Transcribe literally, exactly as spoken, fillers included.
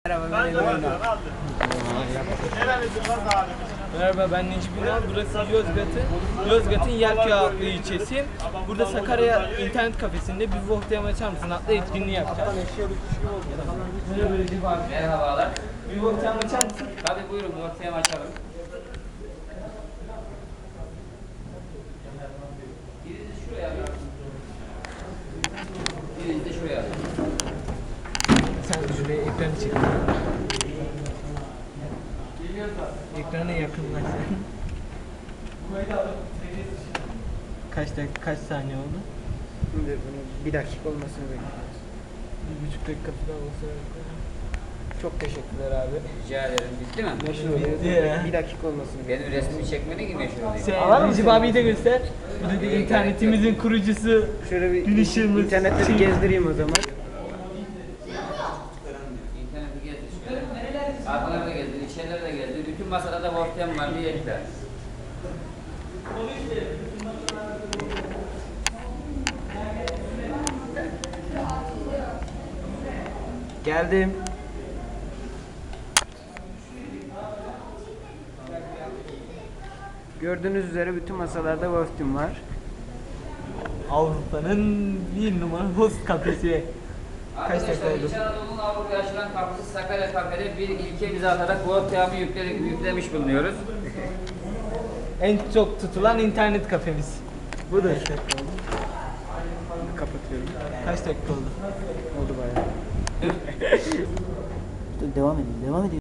Merhaba, ben Emirhan. Merhaba, ben Necip Ünal. Burası Yozgat'ın Yozgat'ın Yelköy adlı ilçesi. Burada Sakarya İnternet Kafesi'nde bir Vohtiyam açar mısın adlı etkinliği yapacağız. Merhaba Recep abi. Merhabalar. Bir Vohtiyam açar mısın? Tabii buyurun, ortaya açalım. Birinizi şuraya alın. Birinizi de şuraya alın. Sen şuraya ekranı çek. Ekrana yakınlaş sen. Kaç dakika, kaç saniye oldu? Şimdi bunu bir dakika olmasını bekliyoruz. Bir buçuk dakika falan olsa. Çok teşekkürler abi. Rica ederim. Bitti mi? Meşhur oluyor. Bitti ya. Bir dakika olmasını bekliyoruz. Benim resmimi çekmene gibi meşhur olayım. Sen Recep abiyi de göster. Bu da internetimizin kurucusu. Şöyle bir Bilişimiz. internette bir gezdireyim o zaman. İnterneti gezdir şöyle. Arkaları da gezdir, içerileri de gezdir. Bütün masada da ortaya var diye ekler. Geldim. Gördüğünüz üzere bütün masalarda Wolfteam var. Avrupa'nın bir numara host kafesi. Kaç dakika Arkadaşlar oldu? İç Anadolu'nun Avrupa'ya açılan kapısı Sakarya Kafede bir ilke bize atarak bu ortağımı yükledik, yüklemiş bulunuyoruz. En çok tutulan internet kafemiz. Budur. Kaç dakika oldu? Kapatıyorum. Kaç dakika oldu? Oldu bayağı. Devam edin, devam edin.